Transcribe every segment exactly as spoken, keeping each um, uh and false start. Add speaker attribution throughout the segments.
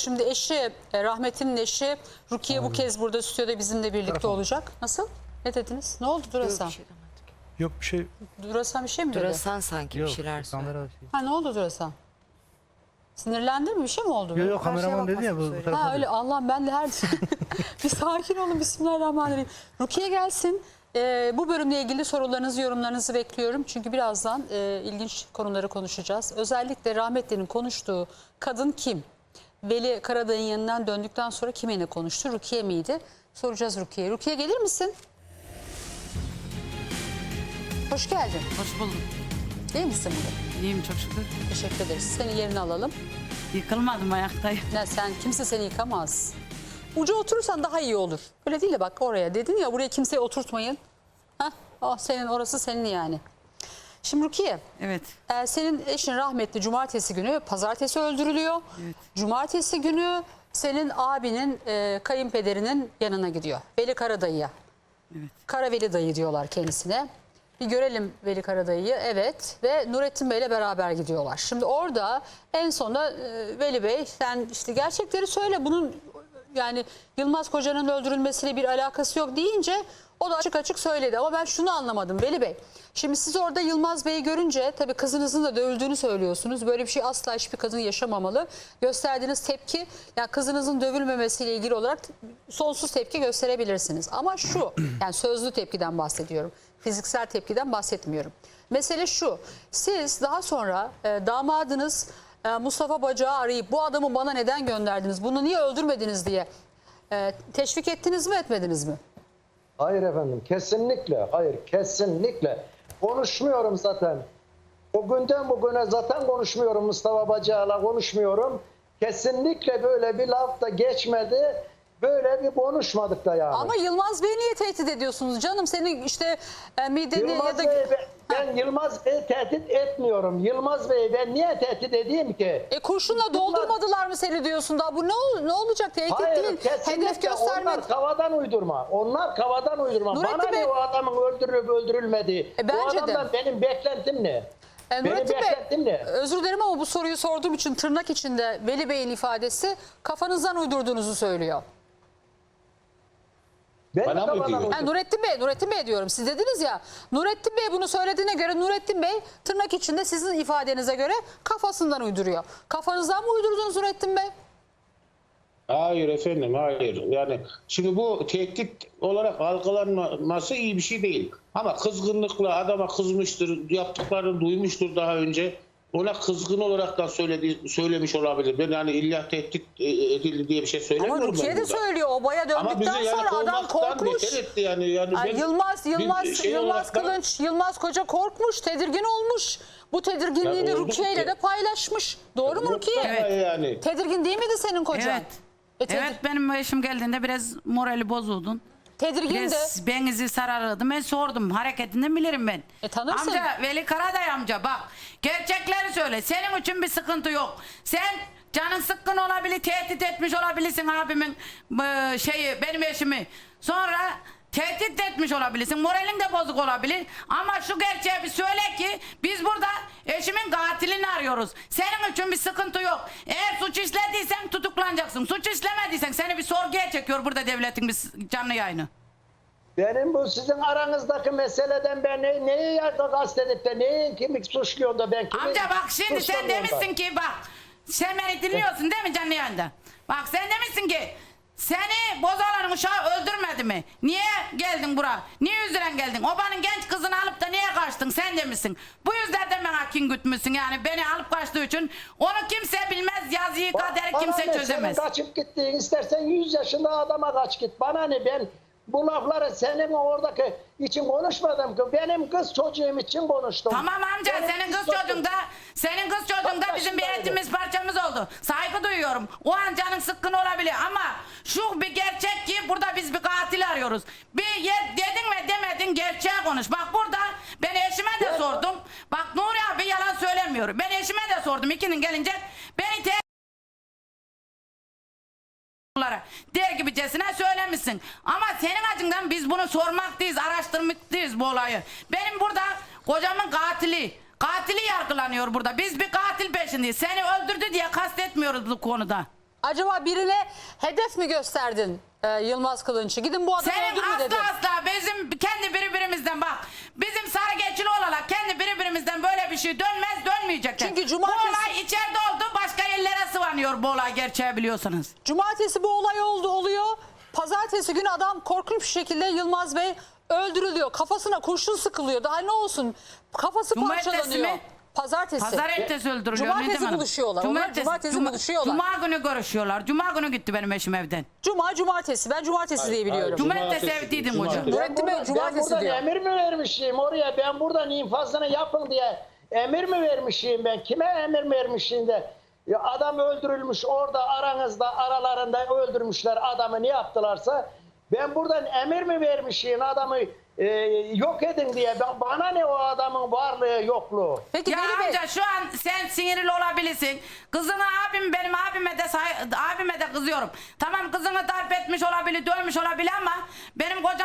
Speaker 1: Şimdi eşi, e, rahmetinin eşi Rukiye Aynen. bu kez burada stüdyoda bizimle birlikte Tarafım. olacak. Nasıl? Ne dediniz? Ne oldu Durasan?
Speaker 2: Yok bir şey,
Speaker 3: Yok bir şey.
Speaker 1: Durasan bir şey mi dedi?
Speaker 2: Durasan sanki
Speaker 3: Yok,
Speaker 2: bir şeyler söyledi.
Speaker 1: Ha ne oldu Durasan? Sinirlendin mi? Bir şey mi oldu?
Speaker 3: Yok yok kameraman dedi ya bu, bu tarafa.
Speaker 1: Ha öyle Allah'ım ben de her... bir sakin olun. Bismillahirrahmanirrahim. Rukiye gelsin. Ee, bu bölümle ilgili sorularınızı, yorumlarınızı bekliyorum. Çünkü birazdan e, ilginç konuları konuşacağız. Özellikle rahmetlinin konuştuğu kadın kim? Veli Karadayı'nın yanından döndükten sonra kiminle konuştu? Rukiye miydi? Soracağız Rukiye'ye. Rukiye gelir misin? Hoş geldin.
Speaker 4: Hoş bulduk.
Speaker 1: İyi misin burada?
Speaker 4: İyiyim çok şükür.
Speaker 1: Teşekkür ederiz. Seni yerine alalım.
Speaker 4: Yıkılmadım, ayaktayım.
Speaker 1: Ne, sen kimse seni yıkamaz. Uca oturursan daha iyi olur. Öyle değil de bak oraya dedin ya, buraya kimseyi oturtmayın. Hah, oh, senin orası senin yani. Şimdi Rukiye.
Speaker 4: Evet.
Speaker 1: E, senin eşin rahmetli cumartesi günü, pazartesi öldürülüyor.
Speaker 4: Evet.
Speaker 1: Cumartesi günü senin abinin e, kayınpederinin yanına gidiyor. Veli Karadayı'ya.
Speaker 4: Evet.
Speaker 1: Karaveli dayı diyorlar kendisine. Bir görelim Veli Karadayı'yı. Evet. Ve Nurettin Bey'le beraber gidiyorlar. Şimdi orada en sonunda e, Veli Bey sen işte gerçekleri söyle. Bunun yani Yılmaz Koca'nın öldürülmesiyle bir alakası yok deyince o da açık açık söyledi. Ama ben şunu anlamadım Veli Bey. Şimdi siz orada Yılmaz Bey'i görünce tabii kızınızın da dövüldüğünü söylüyorsunuz. Böyle bir şey asla hiçbir kadın yaşamamalı. Gösterdiğiniz tepki, yani kızınızın dövülmemesiyle ilgili olarak sonsuz tepki gösterebilirsiniz. Ama şu, yani sözlü tepkiden bahsediyorum. Fiziksel tepkiden bahsetmiyorum. Mesele şu, siz daha sonra e, damadınız e, Mustafa Bacak'ı arayıp bu adamı bana neden gönderdiniz, bunu niye öldürmediniz diye e, teşvik ettiniz mi, etmediniz mi?
Speaker 5: Hayır efendim, kesinlikle, hayır kesinlikle. Konuşmuyorum zaten. O günden bugüne zaten konuşmuyorum, Mustafa Bacak'la konuşmuyorum. Kesinlikle böyle bir laf da geçmedi. Böyle bir konuşmadık da yani.
Speaker 1: Ama Yılmaz Bey'i niye tehdit ediyorsunuz canım? Senin işte e, mideni
Speaker 5: Yılmaz
Speaker 1: ya da...
Speaker 5: Bey, ben, ben Yılmaz Bey'i tehdit etmiyorum. Yılmaz Bey'i ben niye tehdit edeyim ki?
Speaker 1: E kurşunla doldurmadılar mı seni diyorsun da? Bu ne, ol, ne olacak? Tehdit
Speaker 5: Hayır,
Speaker 1: değil.
Speaker 5: kesinlikle
Speaker 1: Hedef göstermek.
Speaker 5: onlar kavadan uydurma. Onlar kavadan uydurma.
Speaker 1: Nurettin
Speaker 5: Bana
Speaker 1: Bey...
Speaker 5: ne o adamın öldürülüp öldürülmediği?
Speaker 1: E, bence
Speaker 5: o adamdan
Speaker 1: de.
Speaker 5: benim beklentim ne?
Speaker 1: E,
Speaker 5: benim
Speaker 1: Nurettin
Speaker 5: beklentim
Speaker 1: Bey,
Speaker 5: ne?
Speaker 1: özür dilerim ama bu soruyu sorduğum için tırnak içinde Veli Bey'in ifadesi kafanızdan uydurduğunuzu söylüyor.
Speaker 5: Ben
Speaker 6: Bana mı diyor?
Speaker 1: Yani Nurettin Bey, Nurettin Bey diyorum. Siz dediniz ya, Nurettin Bey bunu söylediğine göre Nurettin Bey tırnak içinde sizin ifadenize göre kafasından uyduruyor. Kafanızdan mı uydurdunuz Nurettin Bey?
Speaker 6: Hayır efendim, hayır. Yani şimdi bu tehdit olarak algılanması iyi bir şey değil. Ama kızgınlıkla adama kızmıştır, yaptıklarını duymuştur daha önce. Ona kızgın olarak da söyledi, söylemiş olabilir. Ben yani illa tehdit edildi diye bir şey söylemiyorum.
Speaker 1: Ama Rukiye de söylüyor. O baya döndükten
Speaker 6: yani
Speaker 1: sonra adam korkmuş.
Speaker 6: Etti yani. Yani
Speaker 1: Ay, Yılmaz, Yılmaz,
Speaker 6: şey
Speaker 1: Yılmaz Kılınç, da... Yılmaz Koca korkmuş, tedirgin olmuş. Bu tedirginliğini
Speaker 6: yani
Speaker 1: Rukiye ile de paylaşmış. Doğru mu Rukiye?
Speaker 6: Evet. Yani.
Speaker 1: Tedirgin değil miydi senin kocan?
Speaker 4: Evet.
Speaker 1: E, tedir...
Speaker 4: Evet, benim eşim geldiğinde biraz morali bozuldun.
Speaker 1: Tedirgin de.
Speaker 4: Biraz benizi sarardı. Ben sordum. Hareketinden bilirim ben.
Speaker 1: E, tanırsın.
Speaker 4: Amca, Veli Karaday amca bak. Gerçekleri söyle. Senin için bir sıkıntı yok. Sen canın sıkkın olabilir, tehdit etmiş olabilirsin abimin e, şeyi, benim eşimi. Sonra tehdit etmiş olabilirsin. Moralin de bozuk olabilir. Ama şu gerçeği bir söyle ki biz burada eşimin katilini arıyoruz. Senin için bir sıkıntı yok. Eğer suç işlediysen tutuklanacaksın. Suç işlemediysen seni bir sorguya çekiyor burada devletin bir canlı yayını.
Speaker 5: Benim bu sizin aranızdaki meseleden ben ne, neyi kastedip de neyi kimi suçluyorum da ben kimi
Speaker 4: Amca bak şimdi sen demişsin
Speaker 5: da.
Speaker 4: ki bak sen beni dinliyorsun değil mi canlı yayında? Bak sen demişsin ki seni Bozalan'ın uşağı öldürmedi mi? Niye geldin buraya? Niye yüzüren geldin? Obanın genç kızını alıp da niye kaçtın? Sen demişsin. Bu yüzden bana kin gütmüşsün yani beni alıp kaçtığı için. Onu kimse bilmez, yazıyı kaderi kimse
Speaker 5: ne,
Speaker 4: çözemez.
Speaker 5: Senin kaçıp gittiğin istersen yüz yaşında adama kaç git. Bana ne, ben bu lafları senin oradaki için konuşmadım ki. Benim kız çocuğum için konuştum.
Speaker 4: Tamam amca,
Speaker 5: benim
Speaker 4: senin kız çocuğun da senin kız çocuğun da bizim bir etimiz parçamız oldu. Saygı duyuyorum. O an canın sıkkın olabilir ama şu bir gerçek ki burada biz bir katil arıyoruz. Bir yer dedin ve demedin, gerçeği konuş. Bak burada ben eşime de sordum. Bak Nuri abi yalan söylemiyor. Ben eşime de sordum ikinin gelince. Beni te der gibicesine söylemişsin. Ama senin acından biz bunu sormaktayız, araştırmaktayız bu olayı. Benim burada kocamın katili, katili yargılanıyor burada. Biz bir katil peşindeyiz. Seni öldürdü diye kastetmiyoruz bu konuda.
Speaker 1: Acaba birine hedef mi gösterdin e, Yılmaz Kılınç'ı? Gidin bu adamı
Speaker 4: Senin
Speaker 1: öldürün mü
Speaker 4: asla
Speaker 1: dedin?
Speaker 4: asla bizim kendi birbirimizden bak. Bizim sarı geçili olarak kendi birbirimizden böyle bir şey dönmez, dönmeyecek.
Speaker 1: Çünkü
Speaker 4: Bu
Speaker 1: cumartesi-
Speaker 4: olay içeride oldu, başka yerlere sıvanıyor bu olay gerçeği biliyorsunuz.
Speaker 1: Cumartesi bu olay oldu oluyor. Pazartesi günü adam korkunç bir şekilde Yılmaz Bey öldürülüyor. Kafasına kurşun sıkılıyor. Daha ne olsun? Kafası
Speaker 4: Cumartesi
Speaker 1: parçalanıyor.
Speaker 4: mi?
Speaker 1: Pazartesi.
Speaker 4: Pazar ertesi öldürülüyor.
Speaker 1: Cumartesi
Speaker 4: Nedim Hanım.
Speaker 1: buluşuyorlar. Onlar cumartesi
Speaker 4: Cuma-
Speaker 1: buluşuyorlar.
Speaker 4: Cuma günü görüşüyorlar. Cuma günü gitti benim eşim evden.
Speaker 1: Cuma cumartesi. Ben cumartesi diye biliyorum.
Speaker 4: Cuma- Cumartesi evdeydim hocam.
Speaker 6: cumartesi.
Speaker 1: Nurettin Bey
Speaker 5: buradan-
Speaker 1: cumartesi
Speaker 5: ben buradan
Speaker 1: diyor.
Speaker 5: emir mi vermişim oraya? Ben buradan infazını yapın diye emir mi vermişim ben? Kime emir vermişim de? Ya adam öldürülmüş orada aranızda aralarında öldürmüşler adamı ne yaptılarsa ben buradan emir mi vermişim adamı e, yok edin diye. Ben, bana ne o adamın varlığı yokluğu?
Speaker 1: Peki
Speaker 4: Ya
Speaker 1: Veli Bey,
Speaker 4: amca şu an sen sinirli olabilirsin. Kızını abim benim abime de say- abime de kızıyorum. Tamam kızını darp etmiş olabilir, dövmüş olabilir ama benim kocam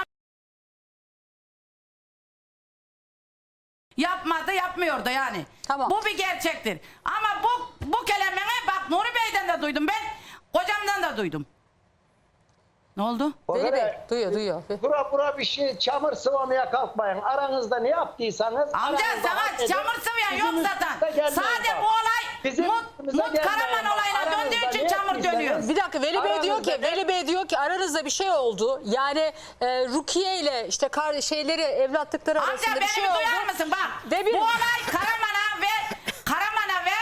Speaker 4: yapmadı, yapmıyor da yani.
Speaker 1: Tamam.
Speaker 4: Bu bir gerçektir. Ama bu bu kelimeni bak Nuri Bey'den de duydum ben. Kocamdan da duydum. Ne oldu?
Speaker 1: Veli Bey
Speaker 5: Orada-
Speaker 1: duyuyor duyuyor.
Speaker 5: Bura bura bir şey çamur sıvamaya kalkmayın. Aranızda ne yaptıysanız
Speaker 4: Amca
Speaker 5: aranızda
Speaker 4: sana
Speaker 5: halledin.
Speaker 4: çamur sıvayan yok
Speaker 5: Bizim
Speaker 4: zaten.
Speaker 5: üstümüze gelmeyin
Speaker 4: Sadece
Speaker 5: bak.
Speaker 4: bu olay
Speaker 5: Bizim
Speaker 4: Mut,
Speaker 5: üstümüze
Speaker 4: Mut
Speaker 5: gelmeyin
Speaker 4: Karaman
Speaker 5: bak.
Speaker 4: olayına döndüğü
Speaker 5: Aranızda
Speaker 4: için
Speaker 5: ne
Speaker 4: çamur
Speaker 5: yaptıysanız-
Speaker 4: dönüyor.
Speaker 1: Bir dakika Veli Bey diyor ki
Speaker 5: Aranızda ne-
Speaker 1: Veli Bey diyor ki aranızda bir şey oldu. Yani e, Rukiye ile işte kar şeyleri evlatlıkları
Speaker 4: Amca
Speaker 1: arasında
Speaker 4: beni
Speaker 1: bir şey
Speaker 4: bir
Speaker 1: oldu.
Speaker 4: duyar mısın bak.
Speaker 1: Ve bir-
Speaker 4: Bu olay Karaman'a ve Karaman'a ve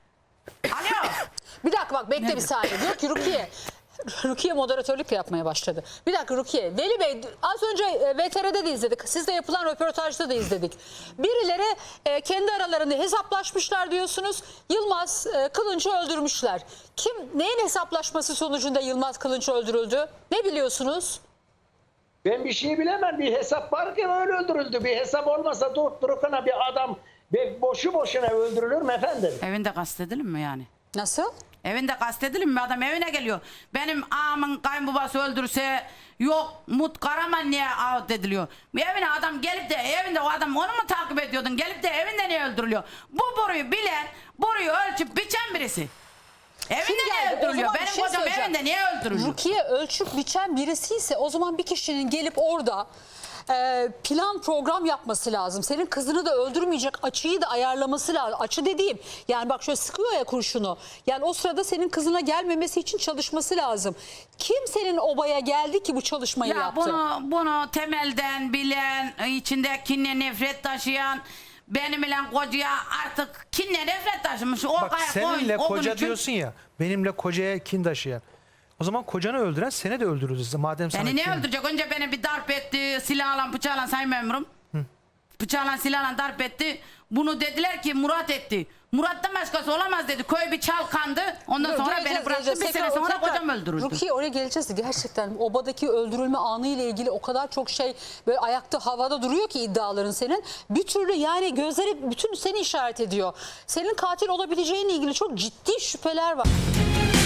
Speaker 4: Alo.
Speaker 1: Bir dakika bak bekle
Speaker 4: Nedir?
Speaker 1: bir saniye. Diyor ki Rukiye Rukiye moderatörlük yapmaya başladı. Bir dakika Rukiye. Veli Bey az önce e, V T R'de de izledik. Sizde yapılan röportajda da izledik. Birileri e, kendi aralarında hesaplaşmışlar diyorsunuz. Yılmaz e, Kılınç'ı öldürmüşler. Kim neyin hesaplaşması sonucunda Yılmaz Kılınç öldürüldü? Ne biliyorsunuz?
Speaker 5: Ben bir şey bilemem. Bir hesap var ki öyle öldürüldü. Bir hesap olmasa durup dururken bir adam bir boşu boşuna öldürülür mü efendim?
Speaker 4: Evinde kastedilir mi yani?
Speaker 1: Nasıl?
Speaker 4: Evinde kastedilir mi? Adam evine geliyor. Benim ağamın kayınbabası öldürse yok Mut Karaman niye ağıt ediliyor? Evine adam gelip de evinde o adam onu mu takip ediyordun? Gelip de evinde niye öldürülüyor? Bu boruyu bilen, boruyu ölçüp biçen birisi. Evinde
Speaker 1: Kim
Speaker 4: niye
Speaker 1: geldi? O
Speaker 4: öldürülüyor?
Speaker 1: zaman bir
Speaker 4: Benim
Speaker 1: şey
Speaker 4: kocam
Speaker 1: söyleyeceğim.
Speaker 4: evinde niye öldürülüyor?
Speaker 1: Rukiye ölçüp biçen birisi ise o zaman bir kişinin gelip orada e, plan program yapması lazım. Senin kızını da öldürmeyecek açıyı da ayarlaması lazım. Açı dediğim yani bak şöyle sıkıyor ya kurşunu. Yani o sırada senin kızına gelmemesi için çalışması lazım. Kim senin obaya geldi ki bu çalışmayı
Speaker 4: Ya
Speaker 1: yaptı?
Speaker 4: bunu bunu temelden bilen, içinde kinle nefret taşıyan benim ile kocaya artık kinle nefret taşımış. O
Speaker 3: Bak
Speaker 4: kaya-
Speaker 3: seninle
Speaker 4: o- o gün
Speaker 3: koca
Speaker 4: için-
Speaker 3: diyorsun ya. Benimle kocaya kin taşıyan. O zaman kocanı öldüren seni de öldürürüz. Madem sana
Speaker 4: Beni ne
Speaker 3: kin-
Speaker 4: öldürecek? Önce beni bir darp etti. Silahla bıçakla sayın memurum. Bıçakla silahla darp etti. Bunu dediler ki Murat etti. Murat'tan başkası olamaz dedi. Köy bir çalkandı. Ondan
Speaker 1: Dur,
Speaker 4: sonra
Speaker 1: geleceğiz,
Speaker 4: beni bıraktı.
Speaker 1: geleceğiz.
Speaker 4: Bir
Speaker 1: Tekrar-
Speaker 4: sene sonra
Speaker 1: tekrar-
Speaker 4: kocam öldürüldü.
Speaker 1: Rukiye oraya geleceğiz. Gerçekten obadaki öldürülme anı ile ilgili o kadar çok şey böyle ayakta havada duruyor ki iddiaların senin. Bir türlü yani gözleri bütün seni işaret ediyor. Senin katil olabileceğinle ilgili çok ciddi şüpheler var.